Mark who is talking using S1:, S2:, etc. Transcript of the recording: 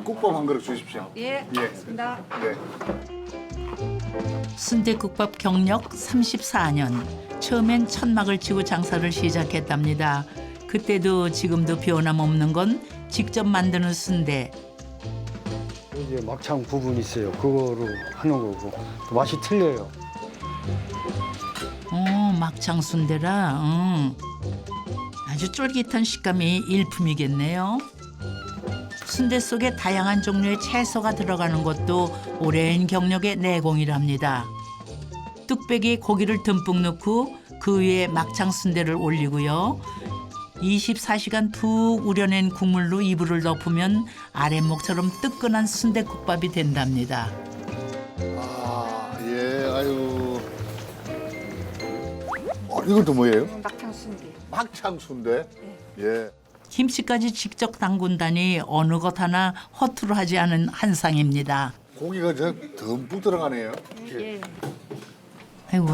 S1: 순대국밥 한 그릇 주십시오.
S2: 예,
S1: 예.
S2: 알겠습니다.
S1: 네.
S3: 순대국밥 경력 34년. 처음엔 천막을 치고 장사를 시작했답니다. 그때도 지금도 변함없는 건 직접 만드는 순대.
S4: 이제 막창 부분이 있어요. 그거로 하는 거고 또 맛이 틀려요.
S3: 막창 순대라. 아주 쫄깃한 식감이 일품이겠네요. 순대 속에 다양한 종류의 채소가 들어가는 것도 오랜 경력의 내공이랍니다. 뚝배기에 고기를 듬뿍 넣고 그 위에 막창 순대를 올리고요. 24시간 푹 우려낸 국물로 이불을 덮으면 아랫목처럼 뜨끈한 순대국밥이 된답니다.
S1: 아, 예, 아유. 이건 또 뭐예요?
S2: 막창 순대.
S1: 막창 순대. 예.
S3: 김치까지 직접 담근다니 어느 것 하나 허투루 하지 않은 한상입니다.
S1: 고기가 저 듬뿍 들어가네요.
S2: 예.